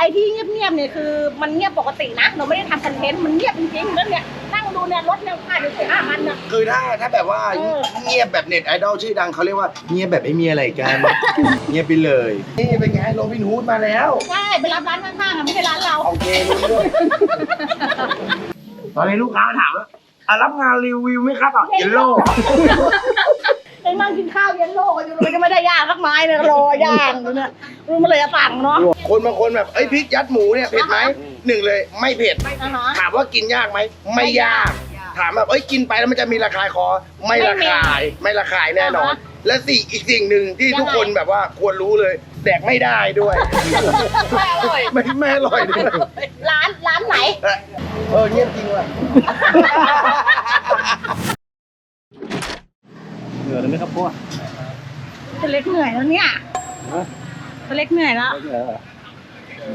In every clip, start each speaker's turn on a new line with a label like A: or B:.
A: อ้ที่เงียบๆเนี่ยคือมันเงียบปกตินะเราไม่ได้ทำคอนเทนต์มันเงียบจริงๆแล้วเนี่ยนั่งดูเนี่ยรถเนี่ยผ่านอยู่4-5 คันนะ
B: คือถ้าแบบว่าเงียบแบบเน็ตไอดอลชื่อดังเขาเรียกว่าเงียบแบบไม่มีอะไรกัน เงียบไปเลยนี่เป็นไงโรบินฮูดมาแล้ว
A: ใช่ไปรับร้านข้างๆอ่ะไม่ใช่ร้านเรา
B: โอเครู้ด้วยตอนนี้ลูกค้าถามว่ารับงานรีวิวไหมครับเยลโล่
A: ไอ้นั่งกินข้าวเย็นโลกอยู่เลยก็ไม่ได้ย่างสักไม้เนี่ยรอย่างเนี่ยมันเลยจะสั่งเนาะ
B: คนบางคนแบบพริกยัดหมูเนี่ยเผ็ดไหมหนึ่งเลยไม่เผ็ดถามว่ากินยากไหมไม่ยากถามแบบกินไปแล้วมันจะมีระคายคอไม่ระคายแน่นอนและอีกสิ่งหนึ่งที่ทุกคนแบบว่าควรรู้เลยแดกไม่ได้ด้วย
A: ไม่อร่อย
B: ไม่อร่อยด้วย
A: ร้านไหน
B: เงียบจริงว่ะ
C: เหนื่อยเลยไหมครับพวก
A: ตัวเล็กเหนื่อยแล้วเนี่ยตัวเล็กเหนื่อยแล้ว
C: โอ้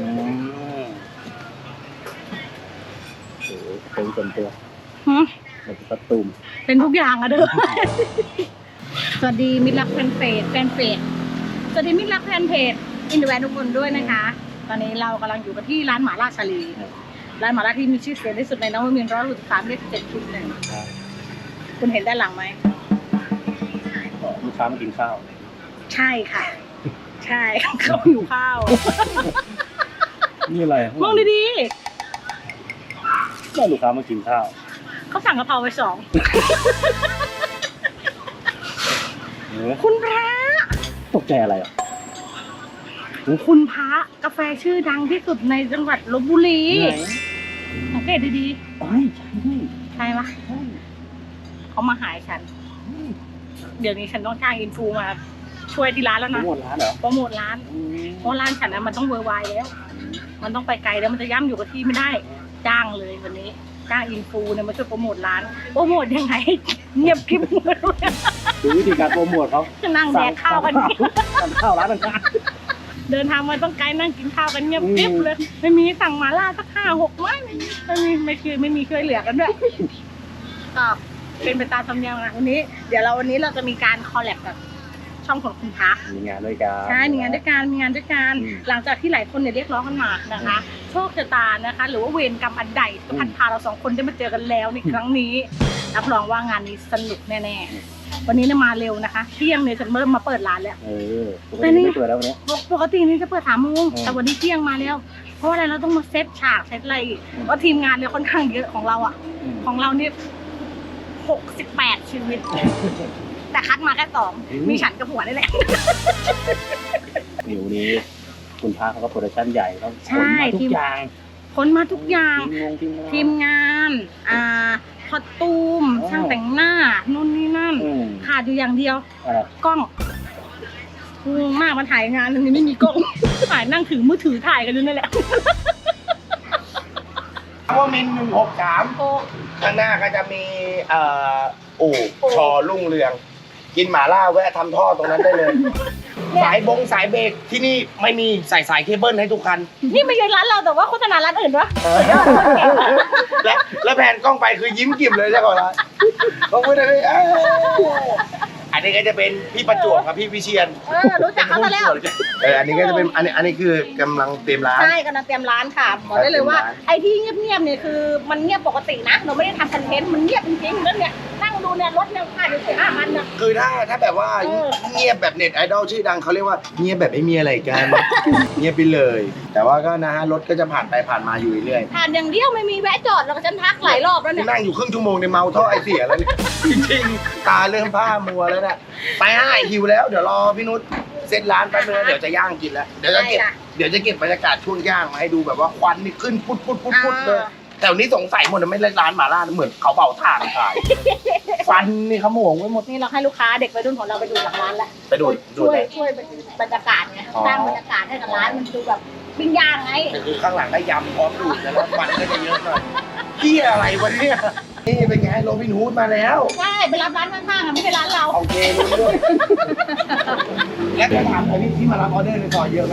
C: โหเป็นส่วนตัวเป็นประตูม
A: เป็นทุกอย่างอะเด้อสวัสดีมิตรรักแฟนเพจสวัสดีมิตรรักแฟนเพจอินเดอร์แวนทุกคนด้วยนะคะตอนนี้เรากำลังอยู่กันที่ร้านหม่าล่าชาลีร้านหม่าล่าที่มีชื่อเสียงที่สุดในนวมินทร์163เลข7-1คุณเห็นด้านหลังไหม
C: ลูกค้ามากินข้าว
A: ใช่ค่ะใช่เขาหิวข้าว
C: นี่อะไร
A: มองดี
C: ๆก็ลูกค้ามากินข้าว
A: เขาสั่งกะเพราไป2คุณพระ
C: ตกใจอะไรอ่ะ
A: คุณพระกาแฟชื่อดังที่สุดในจังหวัดลพบุรีสังเกตดี
C: ๆใช่
A: ปะเขามาหายฉันเดี๋ยวนี้ฉันต้องจ้างอินฟูมาช่วยที่ร้านแล้วนะ
C: โปรโมทร้านเหรอ
A: โปรโมทร้านเพราะร้านฉันนะมันต้องเวอร์ไวแล้วมันต้องไปไกลแล้วมันจะย่ำอยู่กับที่ไม่ได้จ้างเลยวันนี้จ้างอินฟูเนี่ยมาช่วยโปรโมทร้านโปรโมทยังไงเงียบคลิปเลย
C: ดูวิธีการโปรโมทเขา
A: จะนั่งแดกข้าวกัน
C: ข้าวร้านนั้น
A: เดินทางมาต้องไกลนั่งกินข้าวกันเงียบคลิปเลยไม่มีสั่งหม่าล่าสัก5-6 ไม้ไม่มีเคยเหลือกันด้วยก็เป็นไปตามธรรมเนียมนะวันนี้เราจะมีการคอลแลบกับช่องของคุณพัก
C: มีงานด้วยกัน
A: ใช่มีงานด้วยกันหลังจากที่หลายคนเนี่ยเรียกร้องกันมานะคะโชคชะตานะคะหรือว่าเวรกรรมอันใดที่พัดพาเรา2 คนได้มาเจอกันแล้วในครั้งนี้รับรองว่างานนี้สนุกแน่ๆวันนี้เนี่ยมาเร็วนะคะเที่ยงเนี่ยฉันเริ่มมาเปิดร้านแล้ว
C: ปกติไม่เปิดแล้วเนี่ย
A: ปกตินี่จะเปิด3 โมงแต่วันนี้เที่ยงมาแล้วเพราะอะไรเราต้องมาเซตฉากเซตอะไรเพราะทีมงานเนี่ยค่อนข้างเยอะของเรานี่68 ชีวิตแต่คัดมาแค่2มีฉันกับหัวนี่แหละ
C: เดี๋ยวนี้คุณพาเขาก็โปรดักชั่นใหญ่เขาขนมาทุกอย่าง
A: ทีมงานคอสตูมช่างแต่งหน้านู่นนี่นั่นขาดอยู่อย่างเดียวกล้องงงมากมาถ่ายงานนี้ไม่มีกล้องถ่ายนั่งถือมือถือถ่ายกันอยู่นั่นแหละ
B: ว่ามิน163ข้างหน้าก็จะมีชอรุ่งเรืองกินหม่าล่าแวะทำท่อตรงนั้นได้เลยสายเบรกที่นี่ไม่มีใส่สายเคเบิลให้ทุกคัน
A: นี่ไม่ใช่ร้านเราแต่ว่าโฆษณาร้านอื่นวะ
B: แล้วแผนกล้องไปคือยิ้มกิ่มเลยใช่ก่อนละเขาพูดอะไรอันนี้ก็จะเป็นพี่ประจวบกับพี่วิเชียร
A: รู้จักเขาแล้ว
B: อันนี้ก็จะเป็นอันนี้คือกำลังเตรียมร้าน
A: ใช่กำลังเตรียมร้านค่ะบอกได้เลยว่าไอ้ที่เงียบเนี่ยคือมันเงียบปกตินะเราไม่ได้ทำคอนเทนต์มันเงียบจริงๆแล้วเนี่ยนั่งดูเนี่ยรถเนี่ยผ่านอยู่4-5 คันนะ
B: คือถ้าแบบว่าเงียบแบบเน็ตไอดอลชื่อดังเขาเรียกว่าเงียบแบบไม่มีอะไรกันเงียบไปเลยแต่ว่าก็นะฮะรถก็จะผ่านไปผ่านมาอยู่เรื่อย
A: ผ่านอย่างเดียวไม่มีแวะจอดแล้วก็ฉันทักหลายรอบแล้วเนี่ย
B: นั่งอยู่ครึ่งชั่วโมงในเมาท่อไอเสียแล้วเนี่ยจริงๆตาเริ่มผ้ามัวแล้วเนี่ยไปหิวแล้วเดี๋ยวรอพี่นุชเซ็ตร้านแป๊บนึงเดี๋ยวจะย่างกินแล้วเดี๋ยวจะเก็บบรรยากาศช่วงย่างมาให้ดูแบบว่าควันนี่ขึ้นพุดเลยแต่วันนี้สงสัยหมดไม่เล่นร้านหม่าล่าเหมือนเขาเป่าถ่านขายฟันนี่ขโมงไว้หมด
A: นี่เราให้ลูกค้าเด็กวัยรุ่นของเราไปดูหลังร้านแล้ว
B: ไปดู
A: ช่วยบรรยากาศไงสร้างบรรยากาศให้กับร้านมันดูแบบปิ้งย่างไง
B: คือข้างหลังก็ยำพร้อมดูดแล้วฟันก็จะเยอะหน่อยเกี่ยอะไรวะเนี่ยนี่เป็นไงโรบินฮูดมาแล้ว
A: ใช่ไปรับร้านข้างๆไม่ใช่ร้านเรา
B: โอเครู้ด้วยแล้วจะถามที่มารับออเดอร์ในซอยเยอะไหม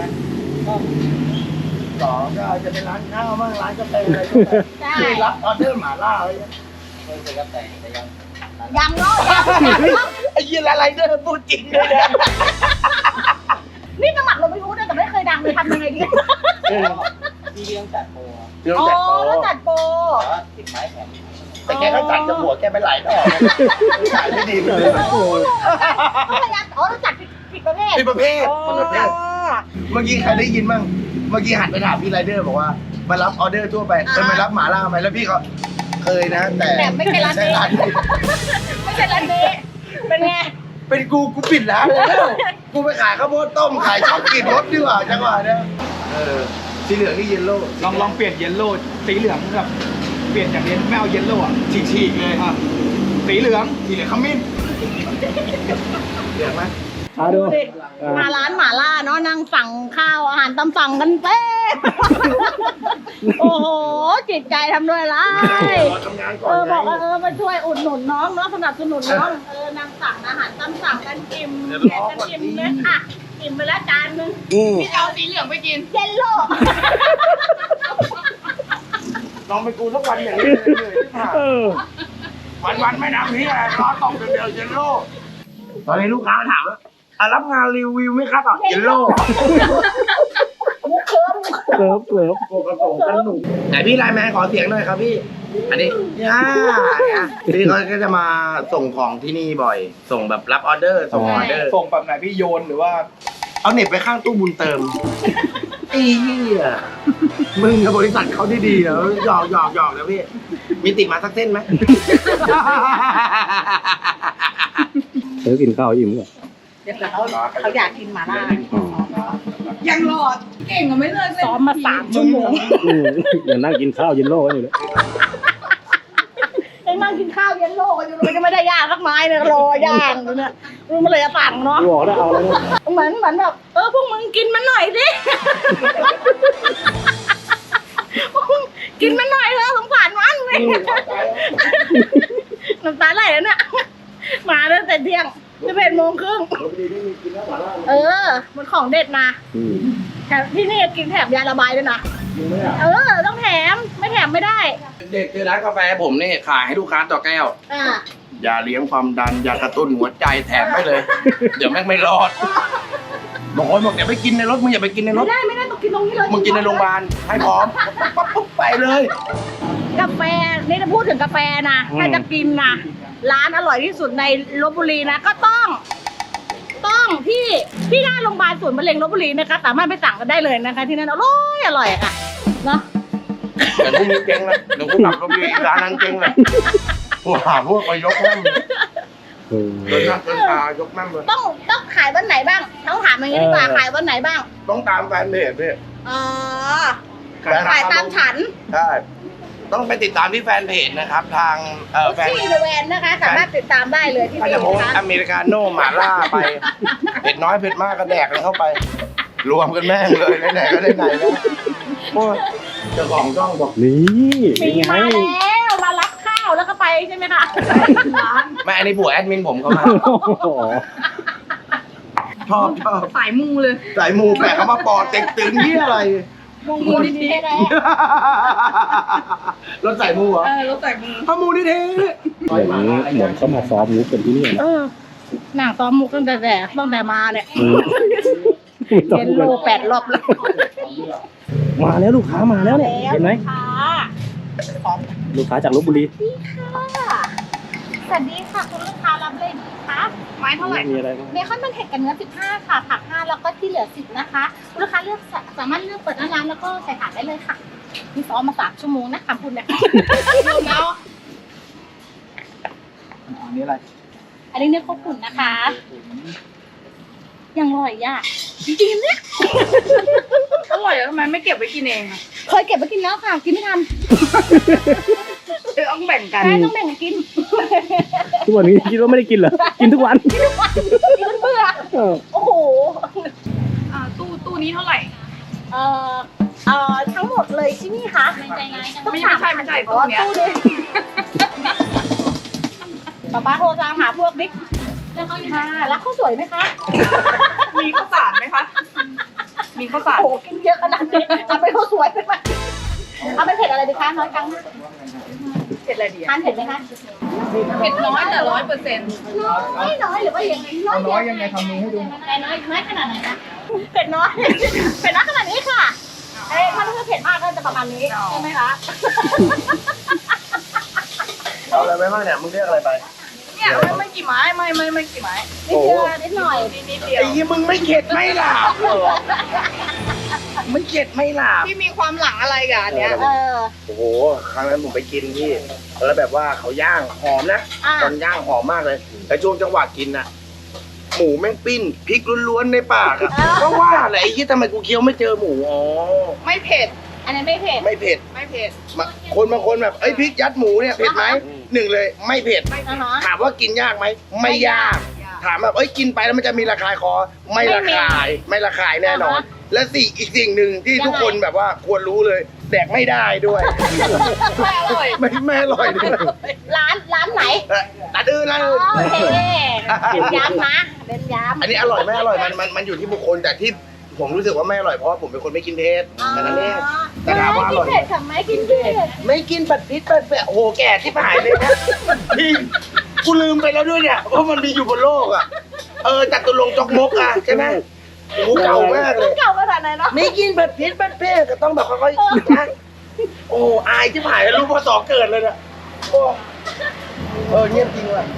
B: 2ก็จะเป็นร้านข้าวบ้างร้านกาแฟอะไรที่รับออเดอร์หม่าล่าอะไรไม่เคยรับแต่
A: ยังเนาะ
B: ไอ้ยี่อะไรเดอร์พูดจริงเลยนะ
A: นี่สมัครเราไม่รู้นะแต่ไม่เคยดังเลยทำยังไงดี
C: พี่เลี้ยงจัดโปร
B: พี่ต้
A: อ๋
B: อง
A: อ
B: จัดโปร
A: แล้วจัดโปร
C: ติดไม้แข็ง
B: แต่แกก็จัดจมูกแกไปหลายดอกขายไม่ดีเลย
A: พยายามอ๋อแล้วจัดผิดประเภท
B: พี่ประเภทคนประเภทเมื่อกี้ใครได้ยินบ้างเมื่อกี้หันไปถามพี่ไรเดอร์บอกว่ามารับออเดอร์ทั่วไปเคยมารับหมาล่าไหมแล้วพี่เขาเคยนะ แต่
A: ไม่ใช่ร้านนี้ ไม่ใช่ร้านนี้เป็นไง
B: เป็นกูปิดร้านแล้วกูไปขายข้าวโพดต้มขายช็อกกินรถดีกว่าจังหวะเนี้ยสีเหลืองนี่เยลโล่
D: ลองเปลี่ยนเยลโล่สีเหลืองแบบเปลี่ยนจากไม่เอาเยลโล่อะ
B: ฉีกๆเลย
D: อ่ะสีเหลือง
B: สีเหลืองขมิ้นเหลืองไหม
C: มาดู
A: มาร้านหม่าล่าเนาะนั่งสั่งข้าวอาหารตามสั่งกันเต้โอ้โหจิตใจทำด้วยไร
B: รอทำงานก่อน
A: บอกว่ามาช่วยอุดหนุนน้องเนาะสนับสนุนน้องนั่งสั่งอาหารตามสั่งกันอิ่มแกะกันอิ่มเลยค่ะอิ่มไปแล้วจานนึง
E: พี่เอาสีเหลืองไปกิน
A: เยลโล่
B: ลองไปกูสักวันอย่างนี้เลยที่ผ่าน วันไม่ทำนี่อะไรร้อนตกเดียวเยลโล่ตอนนี้ลูกค้าถามว่ารับงานรีวิวไหมครับเยลโล่
A: มุกเคิร์ม
C: เกิบเกิบ
B: โกกระโปรงกันหนุ่มไหนพี่ไลน์แมนขอเสียงหน่อยครับพี่ อันนี้พี่เขาก็จะมาส่งของที่นี่บ่อย ส่งแบบรับออเดอร์ส่งออเดอร์
D: ส่งแบบไหนพี่โยนหรือว่า
B: เอาเน็ตไปข้างตู้บุญเติมไอ้เหี้ยมึงกับบริษัทเขาดีๆเหรอหยอกนะพี่มีติดมาสักเส้นไหม
C: เดี๋ยวกินข้าวอิ่มก่อน
A: เดี๋ยวเขาอยากกินหม่าล่า
E: ยังรอด เก่งก็ไม่เลิกเลย
A: ซ้อมมา3 ชั่วโมง
C: อย่านั่งกินข้าวเย็นโล่กันอยู่เลย
A: ยังนั่งกินข้าวเย็นโลกอยู่เลยก็ไม่ได้ย่างสักไม้เนี่ยรอย่างอยู่เนี่ยมันเลยจะสั่งเนาะ
C: บอกแล้วเอาแล้ว
A: เหมือนแบบพวกมึงกินมันหน่อยดิพวกมึงกินมันหน่อยเถอะสงสารมันเลยน้ำตาไหลแล้วเนี่ยมาตั้งแต่เที่ยง11 โมงครึ่งมันของเด็ดนะแถมที่นี่กินแถมยาระบายด้วยนะต้องแถมไม่แถมไม่ได้
B: เด็กคือร้านกาแฟผมนี่ขายให้ลูกค้าต่อแก้ว
A: อ่า
B: ยาเลี้ยงความดันยากระตุ้นหัวใจแถมไปเลย เดี๋ยวแม่งไม่รอดบางคนบอกอย่าไปกินในรถมึงอย่าไปกินในรถ
A: ไม่ได้ต้องกินตรงนี้เลย
B: มึงกินในโรงพยาบาลให้พร้อมปุ๊บไปเลย
A: กาแฟนี่จะพูดถึงกาแฟนะถ้าจะกินนะร้านอร่อยที่สุดในลพบุรีนะก็ต้องที่หน้าโรงพยาบาลศูนย์มะเร็งลพบุรีนะคะสามารถไปสั่งกันได้เลยนะคะ ที่นั่นอร่อยค่ะเนาะ
B: เดี๋ยวพรุ่งนี้เจ๊งนะเดี๋ยวกูกลับก็มีอีกร้านนั้นเจ๊งเลยพวกไปยกแม่มเลยเดินหน้าเดินตายกแม่มเลย
A: ต้องขายวันไหนบ้างต้องถามอย่างนี้ดีกว่าขายวันไหนบ้าง
B: ต้องตามแฟนเพจพี่
A: อ๋อขายตามฉัน
B: ใช่ต้องไปติดตามที่แฟนเพจนะครับทางแฟน
A: ที่เดอะแวนนะคะสามารถติดตามได้เลยที่
B: ก็
A: นี่
B: จะโพส
A: นะคะ
B: อเมริกาโน่หม่าล่าไปเผ็ดน้อยเผ็ดมากก็แดกเลยเข้าไป รวมกันแม่งเลยไหนๆก็ได้ไหนแล้วโอ้ยเจ้าของช่องบอก
C: นี่เป็
A: มี
C: นไง
A: มาแล้วมารับข้าวแล้วก็ไปใช่ไหมคะ
B: แม่อันนี้ผัวแอดมินผมเขามา ชอบ
E: สายมูเลย
B: สายมูแปะเขามาปอดเต็งตึงนี่อะไร
A: มูลนิธิแล้ว
B: รถสายมูเหรอ
E: รถสายมู
B: พมูนี่เท่
C: เหมือนเขามาซ้อมมุกกันที่นี่นะ
A: หนังซ้อมมุกตั้งแต่มาเนี่ยเย็นโล8 รอบแล้ว
C: มาแล้วลูกค้ามาแล้วเนี่ยเห็นไหม
A: ค่ะ
C: ลูกค้าจากลพบุรี
A: สวัสดีค่ะคุณลูกค้ารับเลยดีคะ
E: ไม้เท่าไหร่
C: มีอะไรบ้าง
A: เบคอนมันเผ็ดกับเนื้อ15ค่ะผัก5แล้วก็ที่เหลือ10นะคะคุณลูกค้าเลือกสามารถเลือกเปิดหน้าร้านแล้วก็ใส่ถาดได้เลยค่ะมีซ้อมมา3 ชั่วโมงนะคำพูดเนี่ยรวมแล้ว
D: อันนี้อะไร
A: อันนี้เนื้อข้าวปุ่นนะคะยังอร่อยอ่ะจริงๆเนี่ย
E: อร่อยแล้วทำไมไม่เก็บไว้กินเองอะ
A: เคยเก็บไปกินแล้วค่ะกินไม่ทัน
E: ต้องแบ่งกัน
A: ใช่ต้องแบ่งกันกิน
C: ทุกวันนี้คิดว่าไม่ได้กินเหรอ กินทุกวัน
A: กินเบื่อโอ้โห
E: ตู้นี้เท่าไหร่
A: ทั้งหมดเลยที่นี่คะไม่ใช่
E: ตู้เนี้ย
A: ตู้นี้ป๊าโทรตามหาพวกบิ๊กค่ะรักข้าวสวยไหมคะ
E: มีข้าวสารไหมคะ มีข้าวสาร
A: โอ้โหกินเยอะขนาดนี้เอาไปข้าวสวยไปไหมเอาเป็นเผ็ดอะไรดีคะน้อยจัง
E: เผ็ดอะไรดี
A: ทานเผ็ดไหมคะ
E: เผ็ดน้อยแต่100%
A: น้อยหรือว่ายังไงน้อยยังไงทำมือให้ดูน้อยขนาดไหนคะเผ็ดน้อยขนาดนี้ค่ะถ้าเผ็ดมากก็ประมาณนี้ใช่ไหมคะ
B: เอาอะไรไปบ้างเนี่ยมึงเรียกอะไรไป
E: เนี่ยไม่กี่ไม้ไม่กี่ไม้
A: นิดเดียวนิดหน่อย
E: นิดเดียว
B: ไอ้ยี่มึงไม่เข็ดไม่หลาบเหรอไม่เข็ดไม่หลาบ
E: พี่มีความหลังอะไรกับอันเนี้ย
B: โอ้โหครั้งนั้นผมไปกินที่แล้วแบบว่าเขาย่างหอมนะ
A: อ่า
B: ตอนย่างหอมมากเลยแต่ช่วงจังหวะกินน่ะหมูแม่งปิ้นพริกล้วนๆในปากอะก็ว่าแหละไอ้ยี่ทำไมกูเคี้ยวไม่เจอหมูอ๋อ
E: ไม่เผ็ด
A: อันนี้ไม่เผ็ด
B: ไม่เผ็ด
E: ไม่เผ็ด
B: คนบางคนแบบเอ้ยพริกยัดหมูเนี่ยเผ็ดไหมหนึ่งเลยไม่เผ็ด
A: อ่าฮะ
B: ถามว่ากินยากไหมไม่ยาก ถามแบบเอ้ยกินไปแล้วมันจะมีระคายคอไม่ระคายไม่ระคายแน่นอน และอีกสิ่งหนึ่งที่ทุกคนแบบว่าควรรู้เลยแดกไม่ได้ด้วย
E: ไม่อร่อย
B: ไม่อร่อยด้วย
A: ร้านไหน
B: ร้านอื่นร้านอื่น
A: โอเคเน้นย้ำนะเน้นย้ำ
B: อันนี้อร่อยไม่อร่อยมันอยู่ที่บุคคลแต่ที่ผมรู้สึกว่าไม่อร่อยเพราะว่าผมเป็นคนไม่กินเผ็ดแต่นั้นเองแต่ถามว่าอร่อย
A: ไม่กินเผ็ดค่ะไม่กินเผ็ด
B: ไม่กินปัดพริษปัดแปะโอ้โหแก่ที่หายเลยนะพี่กูลืมไปแล้วด้วยเนี่ยว่ามันมีอยู่บนโลกอ่ะจัตุรงค์จอกมกอ่ะใช่ไหมโอ้โหเก่ามากเลย
A: เก่าขนาดไหนเนาะ
B: ไม่กินปัดพริษปัดแปะก็ต้องแบบค่อยๆกินนะโอ้อายที่หายแล้วรู้พอสอเกิดเลยเนี่ยโอ้เงียบจริงว่ะ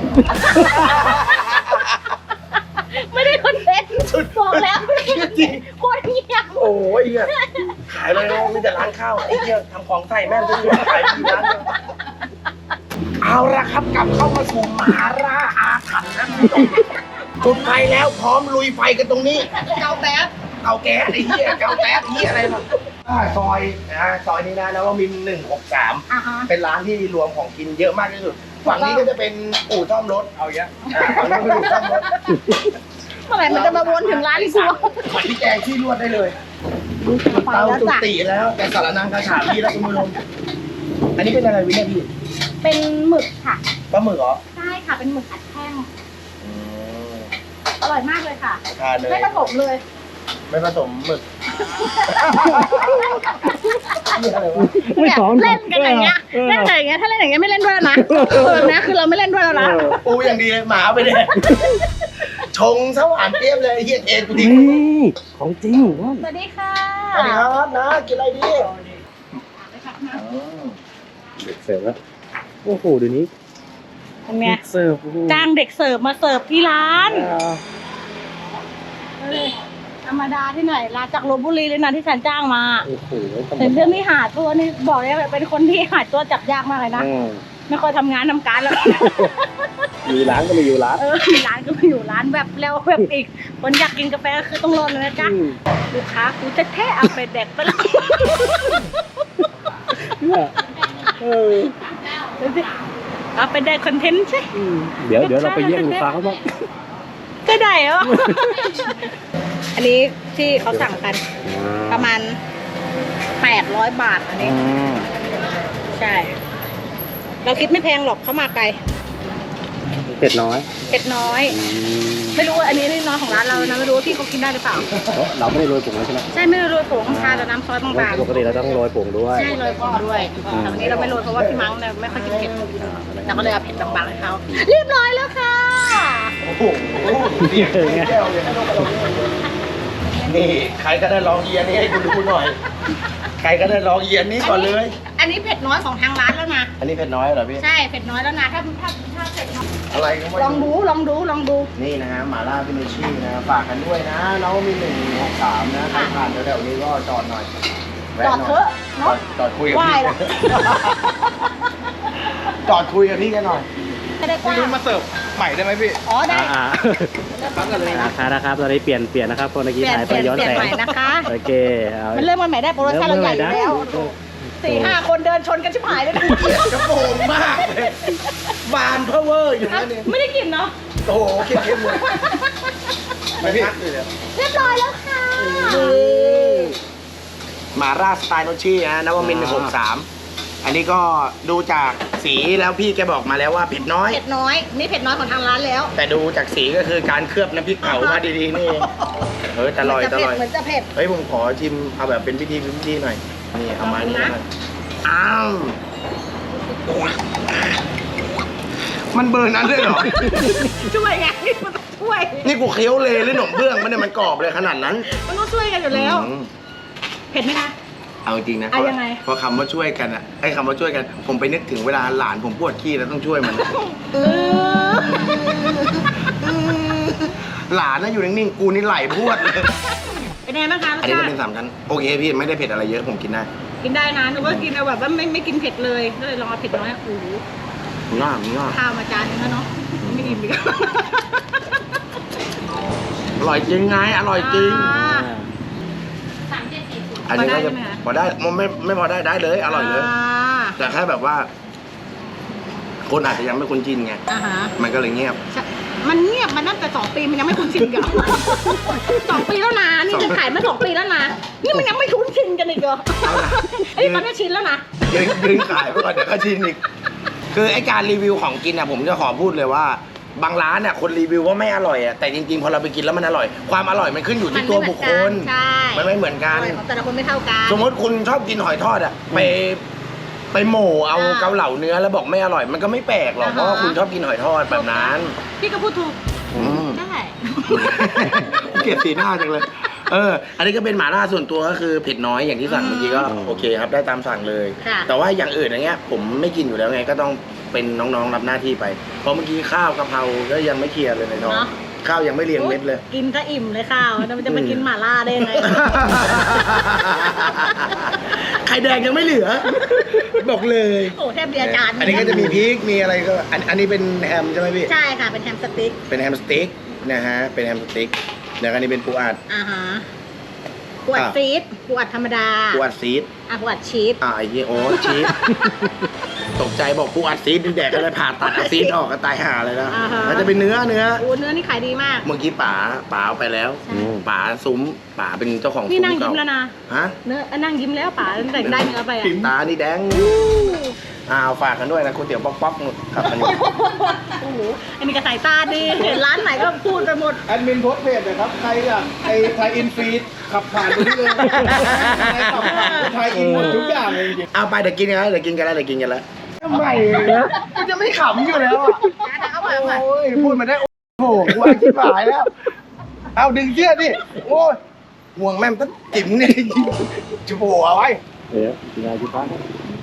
A: ไม่ได้คนเผ็ดบอกแล้วโคตรเงียบ
B: โอ้ยเหี้ยขายเลยนะมีแต่ร้านข้าวไอ้เหี้ยทำของใส่แม่งทุกอย่างขายที่ร้านเดียวเอาละครับกลับเข้ามาสู่มหาราอาถรรพ์นะจุดไฟแล้วพร้อมลุยไฟกันตรงนี้เกาแก๊สไอ้เหี้ยเกาแก๊สเหี้ยอะไรมาซอยนี้นะแล้วก็มี163
A: อ่าฮะ
B: เป็นร้านที่รวมของกินเยอะมากที่สุดฝั่งนี้ก็จะเป็นอู่ซ่อมรถ
D: เอาเยอะ
B: ฝั่งนี้เป็นอู่ซ่อมรถ
A: เมื่อไหร่มันจะมาวนถึงร้านกู
B: ผัดพริกแกงที่รวดได้เลย
A: ไป
B: เตา
A: แล้ว
B: ตุ
A: จ้ะ
B: ติแล้วแต่สารนังกระฉาบพี่แล้วคุณผู้ชมอันนี้เป็นอะไรวิเนี่ยพี่
A: เป็นหมึกค่ะ
B: ปลาหมึกเหรอ
A: ใช่ค่ะเป็นหมึกอัดแท่งอร่อยมากเลยค่ะ
B: ทานเลย
A: ไม่ผสมเลย
B: ไม่ผสมหมึกนี่อะไรวะ
A: เนี่ยเล่นกันอย่างเงี้ยเล่นกันอย่างเงี้ยถ้าเล่นอย่างเงี้ยไม่เล่นด้วยแล้วนะนะคือเราไม่เล่นด้วยแล้วนะ
B: ปูอย่างดีเลยหมาไปเลยชงสวานเตี้ยมเลยเฮียเอ็นกูทิ้ง
C: นี่ของจริงว่ะ
A: สวัสดีค่ะ
B: สวัสดีครับนะกินอะไรดี
C: เด็กเสิร์ฟแล้วโอ้โหเดี๋ยวนี้
A: เป็นไง
C: เด็กเสิร์ฟโอ้โห
A: จ้างเด็กเสิร์ฟมาเสิร์ฟที่ร้าน
C: อ่า
A: ธรรมดาที่ไหนร้านจากลพบุรีเลยนะที่ฉันจ้างมา
C: โอ้โห
A: แต่เรื่องนี้หาตัวนี่บอกเลยเป็นคนที่หาตัวจับยากมากเลยนะ
C: อืม
A: ไม่ค่อยทำงานทำการแล้ว
C: มีร้านก็มีอยู่ร้าน
A: มีร้านก็มาอยู่ร้านแบบแล้วแบบอีก คนอยากกินกาแฟก็คือต้องรอเลยนะจ๊ะ
C: อืม
A: ลูกค้ากูจะแท้เอาไปแดกไปแล้ว
C: เนี่ยเออ
A: เอาไปได้คอนเทนต์ใช่
C: อืมเดี๋ยวเราไปเยี่ยมลูกค้าเขาบ้าง
A: ก็ได้เหรอ อันนี้ที่เขาสั่งกันประมาณ800 บาทอันนี้ ใช่ เราคิดไม่แพงหรอกเขามาไกล
C: เผ็ดน้อย
A: เผ็ดน้อย ไม่รู้ว่าอันนี้น้อยของร้านเรานะไม่รู้ว่าพี่เขากินได้หรือเปล่า
C: เราไม่ได้โรยผงเลยใช่ไหม
A: ใช่ไม่ได้โรยผงทานแต่น้ำซอสบาง
C: ปกติเราต้องโรยผงด้ว
A: ๆ
C: ย
A: ใช่โรยผงด้วยแต่วันนี้เราไม่โรยเพราะว่าพี่มั้งเนี่ยไม่ค่อยกินเผ็ดเราก็เลยเอาเผ็ดบางๆให้เขาเรียบร้อยแล้วค่ะ
B: โอ้โหเสียงแก้วเลยนี่ใครก็ได้ลองเอียนนี้ให้กูดูหน่อย ใครก็ได้ลองเอียนนี้ก่อนเลย
A: อันนี้เผ็ดน้อยของทางร้านแล้วนะ
B: อันนี้เผ็ดน้อยเหรอพี่
A: ใช่เผ็ดน้อยแล้วนะถ้าเผ็ดน้อย
B: อะไรก็ไม่
A: ลองดู
B: นี่นะฮะหม่าล่าพิเนชี่นะฝากกันด้วยนะน้องมี163นะใครผ่านแถวๆนี้ก็จอดหน่อยแวะ
A: จอด
B: หน่
A: เถอะเนาะ
B: จอดคุยกับ
A: ไหว้
B: พี่
A: ละ
B: จอดคุยกับพี่กันหน่อย
A: ไม่ได้ก
D: คุณ
A: ว้า
D: รุ่นมาเสิร์ฟใหม่ได้ไหมพี่
A: อ๋อได้
D: ครับกันเลยนะ
C: นะครับตอนนี้เปลี่ยนนะครับคนเมื่อกี้
A: เปลี่ยน
C: ถ่าย
A: เป
C: ไป
A: ลี่ยน
C: ย้อน
A: เปลี่ยน
C: แสง
A: ใหม่นะคะ
C: โอเคเอา
A: มันเริ่มมาใหม่ได้โปรโมชั่นเราใหญ่อยู่แล้ว 4-5 คนเดินชนกันชิบหายเลยนะ
B: เกลียดกระโปรงมากเลยบานเพอเวอร์อยู่นั่นเอง
A: ไม่ได้กินเนาะ
B: โอ้โหเข้มๆเลยไม่พักเลยเนี่ย
A: เรียบร้อยแล้วค่ะ
B: หมาล่าสไตล์โนชี่นะนวมินทร์163อันนี้ก็ดูจากสีแล้วพี่แกบอกมาแล้วว่าเผ็ดน้อย
A: เผ็ดน้อยนี่เผ็ดน้อยของทางร้านแล้ว
B: แต่ดูจากสีก็คือการเคลือบน้ำพริกเผามาดีๆนี่เองแต่อร่อย
A: เหมือนจะเผ็ด
B: เฮ้ยผมขอชิมเอาแบบเป็นพิธีหน่อยนี่เอามานี่หน่อยอ้าวมันเบอร์นั้นเลยเหรอ
A: ช่วยไงมันต้องช่วย
B: นี่กูเคี้ยวเลยหรือหนมเบื้องมันเนี่ยมันกรอบเลยขนาดนั้น
A: มันต้องช่วยกันอยู่แล้ว
B: อืม
A: เผ็ดไหมคะ
B: เอาจริงนะ
A: เอายังไง
B: พอคำว่าช่วยกันอ่ะไอ้คำว่าช่วยกัน ผมไปนึกถึงเวลาหลานผมปวดขี้แล้วต้องช่วยมัน หลานน่ะอยู่นิ่งๆ กูนี่ไหลพรวดเลย
A: เป็นไงบ้างคะรส
B: อันนี้
A: ชา
B: จะ
A: ติ
B: เป็น3 ชั้น โอเคพี่ไม่ได้เผ็ดอะไรเยอะผมกินได้
A: กินได้นะหนูว่ากินเอาแบบว่าไม่กินเผ็ดเลยก็เลยลองเอาเผ็ดน้อยโอ้โห
B: ง่ามง่าม
A: ข้าวมาจานนึงแล้วเนาะไม่อิ่มอีก
B: อร่อยจริงไง อร่อยจริง อันนี้ก็จะพอได้ไม่พอได้เลย อร่อยเลย แต่แค่แบบว่า คนอาจจะยังไม่คุ้นชินไง
A: อ่าฮะ
B: มันก็เลยเงียบ
A: มันเงียบมาตั้งแต่2 ปีมันยังไม่คุ้นชินกัน 2 ปีแล้วนะนี่จะขายมา2 ปีแล้วนะนี่มันยังไม่คุ้นชินกันอีกเหรอ
B: เอาล่ะ
A: เอ้ยมันก็ชินแล้วนะ
B: ยืนขายไปก่อนเดี๋ยวก็ชินอีก คือไอการรีวิวของกินอ่ะผมจะขอพูดเลยว่า บางร้านอ่ะคนรีวิวว่าไม่อร่อยอ่ะแต่จริงๆพอเราไปกินแล้วมันอร่อย ความอร่อยมันขึ้นอยู่ที่ตัวบุคคล
A: ใช่
B: มันไม่เหมือนกัน
A: ของแต่ละคนไม่เท่ากัน
B: สมมติคุณชอบกินหอยทอดอ่ะไปโหม่เอาเกาเหลาเนื้อแล้วบอกไม่อร่อยมันก็ไม่แปลกหรอกเพราะว่าคุณชอบกินหอยทอดแบบนั้น
A: พี่ก็พูดถูก
B: อืม
A: ได้
B: เกลียดสีหน้าจังเลย อันนี้ก็เป็นหม่าล่าส่วนตัวก็คือเผ็ดน้อยอย่างที่สั่งเมื่อกี้ก็โอเคครับได้ตามสั่งเลย
A: ค่ะ
B: แต่ว่าอย่างอื่นอย่างเงี้ยผมไม่กินอยู่แล้วไงก็ต้องเป็นน้องๆรับหน้าที่ไป เพราะเมื่อกี้ข้าวกะเพราก็ยังไม่เคลียร์เลยในท้อง
A: เนอะ
B: ข้าวยังไม่เรียงเม็ดเลย
A: กินก็อิ่มเลยข้าวแล้วมันจะมากินหม่าล่าได้ยังไง
B: ไข่แดงยังไม่เหลือ บอกเลย
A: โอ้แทบเดียวจาน
B: อันนี้ก็จะมีพริกมีอะไรก็อันนี้เป็นแฮมใช่ไหมพี่
A: ใช่ค่ะเป็นแฮมสติ๊ก
B: เป็นแฮมสติ๊กนะฮะเป็นแฮมสติ๊กแล้วก็อันนี้เป็นปูอัด
A: อ่าฮะปวดซีดปวดธรรมดา
B: ปูอัดซีด
A: ปวดชีส
B: ไอ้เหี้ยโอ้ชีส ตกใจบอกปูอัดซีดแดกก็เลยผ่าตัดเอาซีดออกก็ตายห่าเลยนะ
A: อ่าฮะ
B: มันจะเป็นเนื้อ
A: โอ้เนื้อนี่ขายดีมาก
B: เมื่อกี้ป๋าเอาไปแล้ว
A: ใช่
B: ป๋าซุ้มป๋าเป็นเจ้าของ
A: นี่
B: ซุ้ม
A: นั่งยิ้
B: เก่าม
A: แล้วนะ
B: ฮะ
A: เนื้อนั่งยิ้มแล้วป๋าตั้งแต่ได้เนื้อไปอ่ะ
B: ตานี่แดงฝากกันด้วยนะก๋วยเตี๋ยวป๊อกๆนู่นครับอันนี้
A: โอ้โหอันนี้ก็สายตาดีเห็นร้านไหนก็พูดไปหมด
D: แอดมินโพสต์เพจนะครับ ใครอยากไอ้ไทยอินฟีดขับผ่านไปที่เลยใครขับผ่านไทยอินหมดทุกอย่างเลยจริง
B: เอาไปเดี๋ยวกินกันแล้วทำไมมันจะไม่ขำอยู่แล้วอ่ะ
A: เอาไปเอาไป
B: โอ้ยพูดมาได้โอ้โหกูว่าชิบหายแล้ว เอาดึงเชือกดิโอ้ยห่วงแม่มตั้งจิ๋มเนี่ยจะโผล่เอาไว้
C: เดี๋ยวกินอะไรที่พัก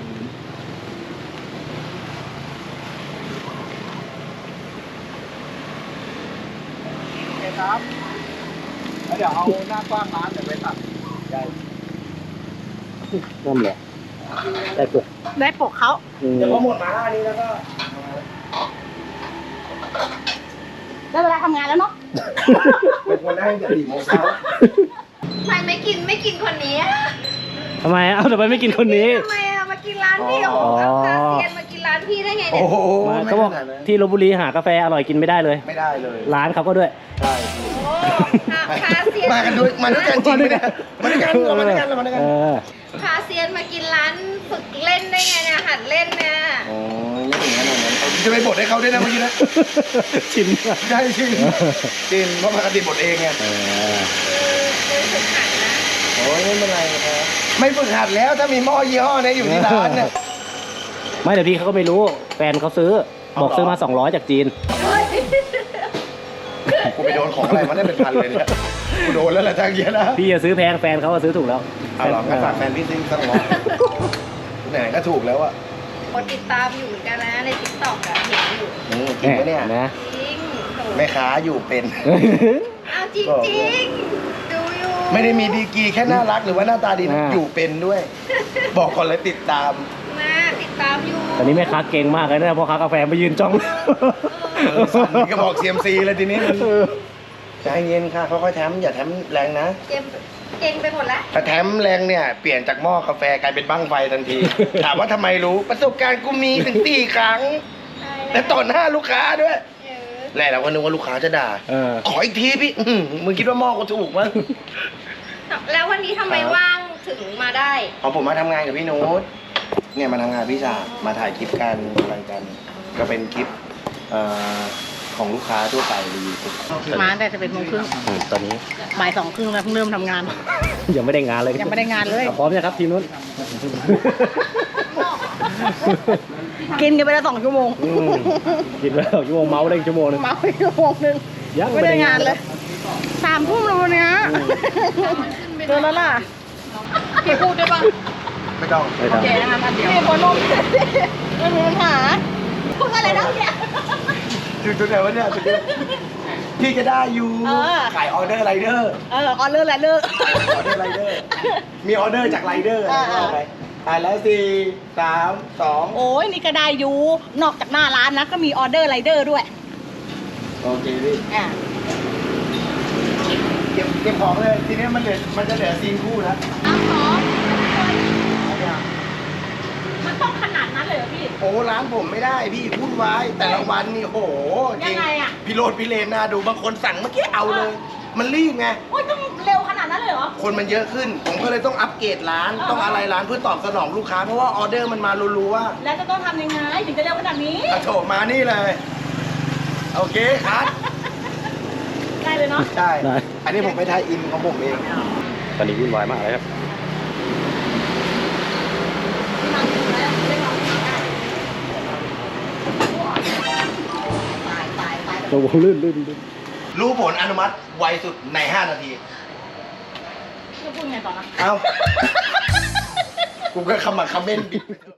D: ๆครับแล้วเดี๋ยวเอาหน้ากว้างร้านเดี๋ยวไปตัดใหญ่
C: นั่นแหละได้ปลุก
A: ได้ปกเขา
B: เดี๋ยวพอหมดมาล่านี้แล้วก็
A: ได้เวลาทำงานแล้วเนาะ
B: เป็นคนได้แต่4 โมงเช้า
E: ทำไมไม่กินคนนี้อะ
C: ทำไมเอาทำไมไม่กินคนนี้
E: ทำไมอะมากินร้านพี่โอ้โหเอาคาเซียนมากินร้านพี่ได้ไง
B: โอ้
E: เนี่ย
B: โห
C: เขาบอกที่ลพบุรีหากาแฟอร่อยกินไม่ได้เลย
B: ไม่ได้เลย
C: ร้านเขาก็ด้วย
B: ใช่
E: โอ้คาเซียน
B: มากันด้วยกันจริงไหมเนี่ยมาด้วยกันเรามาด้วยกันเรามาด้วยกัน
E: คาเซียนมากินร้านฝึกเล่นได้ไงเนี่ยหัดเล่นเนี่ย
B: โอ้ยไม่ถึงขนาดนั้นจะไปบดให้เขาด้วยนะเมื่อกี้นะ
C: ชิม
B: ใช่จริงจริงเพราะปกติบดเองไง
E: ฝึกหัดนะ
B: โอ้ยไม่เป็นไรครับไม่ฝึกหัดแล้วถ้ามีหม้อยี่ห้อนี้อยู่ที่ร้านเนี่ย
C: ไม่เดี๋ยวพี่เขาก็ไม่รู้ แฟนเขาซื้อ บอกซื้อมา200จากจีน
B: กูไปโดนของอะไรมาได้เป็นพันเลยเนี่ยกูโดนแล้วแหละทางเยอะนะ
C: พี่จะซื้อแพงแฟนเขาก็ซื้อถูกแล้ว
B: เอาหรองั้นฝากแฟนพี่ซิสักร้อยไหนๆก็ถูกแล้วอะ
E: คนติดตามอยู่เหมือนกันนะในติ๊กต็อกอะเห็นอยู่
B: จริงปะเนี่ย
C: นะ
E: จริงโถ
B: แม่ค้าอยู่เป็น
E: เอาจริงๆดูอยู่
B: ไม่ได้มีดีกรีแค่น่ารักหรือว่าหน้าตาดีนะอยู่เป็นด้วย บอกก่อนเลยติดตาม
E: นะติดตามอยู่
C: ตอนนี้แม่ค้าเก่งมากเลยนะเพราะค้ากาแฟไปยืนจ้อง
B: สั่นก็บอกเซียมซีเลยทีนี้มันใจเย็นค่ะค่อยๆแถมอย่าแถมแรงนะ
E: เก่งไปหมดแล้ว
B: ถ้าแถมแรงเนี่ยเปลี่ยนจากหม้อกาแฟกลายเป็นบั้งไฟทันที ถามว่าทำไมรู้ประสบการณ์กูมีถึง4 ครั้งและต่อหน้าลูกค้าด้วยแรกเราก็นึกว่าลูกค้าจะด่า ขออีกทีพี่มึงคิดว่าหม้อกูถูกมั้ง
E: แล้ววันนี้ทำไมว่างถึงมาได้
B: พอผมมาทำงานกับพี่นุชเนี่ยมาทำงานพี่ชามาถ่ายคลิปกันอะไรกัน ก็เป็นคลิปของลูกค้าทั่วไปรีวิว
A: มาตั้งแต่11:30
C: ตอนนี้
A: บ่าย2:30แล้วเพิ่งเริ่มทำงาน
C: ยังไม่ได้งานเลย
A: ยังไม่ได้งานเลย
C: พร้อมยังครับทีมนู้น
A: กินกันไปแล้ว2 ชั่วโมง
C: กินไปแล้วชั่วโมงเมาได้ชั่วโมงนึง
A: เมาไปชั่วโมงนึง
C: ยัง
A: ไม่ได้งานเลย3 ทุ่มแล้ววันเนี้ยเกินแล้วล่ะพี่พูดได้ปะ
B: ไม่ต้อง
C: ไม่
A: โอ
C: ต้อง
A: เคนะคะมาเดี๋ยวพี่หัวนมไม่มีปัญหาพูดอะไรนะเนี่ย
B: ถึงไหนวะเนี่ยถึงเนี่ยพี่ก็ได้อยู่
A: เออ
B: ขายออเดอร์ไรเดอร์
A: ออเดอร์อะไรเลิก
B: ออเดอร์ไรเดอร์ มีออเดอร์จากไรเดอร์
A: เออ
B: เอาไปแล้ว4 3 2
A: โอ้ยนี่ก็ได้อยู่นอกจากหน้าร้านนะก็มีออเดอร์ไรเดอร์ด้วย
B: โอเคพี่
A: อ่า
B: เก็บของเลยทีนี้มันจะเหลือซีนคู่แล้ว
A: เอาของ
B: เอาเนี่ย
A: มันต้องขนาดนั้นเลยเหรอพี่
B: โอ้ร้านผมไม่ได้พี่วุ่นวายแต่ละวันนี่โอ้โหจริ
A: ยังไงอะ
B: พี่โรดพี่เลนน่าดูบางคนสั่งเมื่อกี้เอาเลย มันรีบไง
A: โอ้ยต้องเร็วขนาดนั้นเลยเหรอ
B: คนมันเยอะขึ้น ผมก็เลยต้องอัปเกรดร้าน
A: เออ
B: ต้องอะไรร้านเพื่อตอบสนองลูกค้า เพราะว่าออเดอร์มันมารัว
A: แล้วจะต้องทำยังไงถึงจะเร็วขนาดนี้
B: ๆกระโถมานี่เลย โอเคครับ
A: ได้เลยเนาะ
B: ใช่
C: ได้
B: อันนี้ผมไปทายอินของผมเอง
C: ตอนนี้วุ่นวายมากเลยครับ
A: ตาย
C: โอ้โหลื่น
B: รู้ผลอนุมัติไวสุดใน 5 นาที
A: จะพูดไงต่อนะ
B: เอ้า กูก็คำมาคำเมนต์บิด